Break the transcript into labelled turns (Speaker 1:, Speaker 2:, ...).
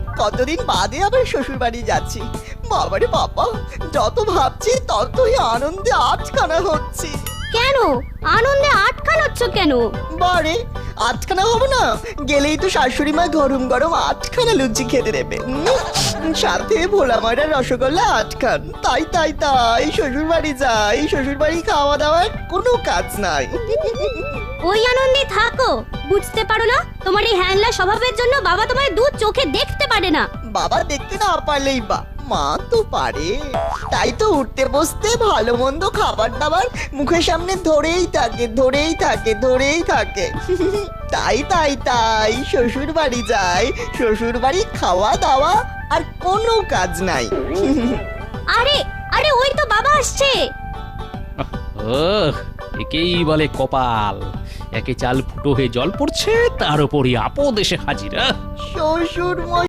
Speaker 1: কতদিন বাদে আবার শ্বশুর বাড়ি যাচ্ছি। বাবারে বাবা, যত ভাবছি ততই আনন্দে আটখানা হচ্ছে।
Speaker 2: কেন আনন্দে আটকানোচ্ছ কেন?
Speaker 1: বারে আটখানা হবো না? গেলেই তো শাশুড়ি মা গরম গরম আটখানা লুচি খেতে দেবে, সাথে ভোলা ময়দার রসগোল্লা আটখান। তাই তাই তাই শ্বশুর বাড়ি যাই, শ্বশুর বাড়ি খাওয়া দাওয়ার কোনো কাজ নাই।
Speaker 2: ওই আনন্দে থাকো, বুঝতে পারো না তোমার এই হ্যাংলা স্বভাবের জন্য বাবা তোমার দু চোখে দেখতে পারে না।
Speaker 1: বাবা দেখতে না পারলেই বা মা তো পারে। তাই তো উঠতে বসতে ভালো মন্দ খাবার দাবার মুখের সামনে ধরেই থাকে ধরেই থাকে ধরেই থাকে। তাই তাই তাই শ্বশুর বাড়ি যায়, শ্বশুর বাড়ি খাওয়া দাওয়া আর কোনো কাজ নাই।
Speaker 2: আরে আরে ওই তো বাবা আসছে।
Speaker 3: ও, একেই বলে কপাল। একে চাল ফুটো হয়ে জল পড়ছে, তার উপরই আপদ এসে হাজির।
Speaker 1: শ্বশুর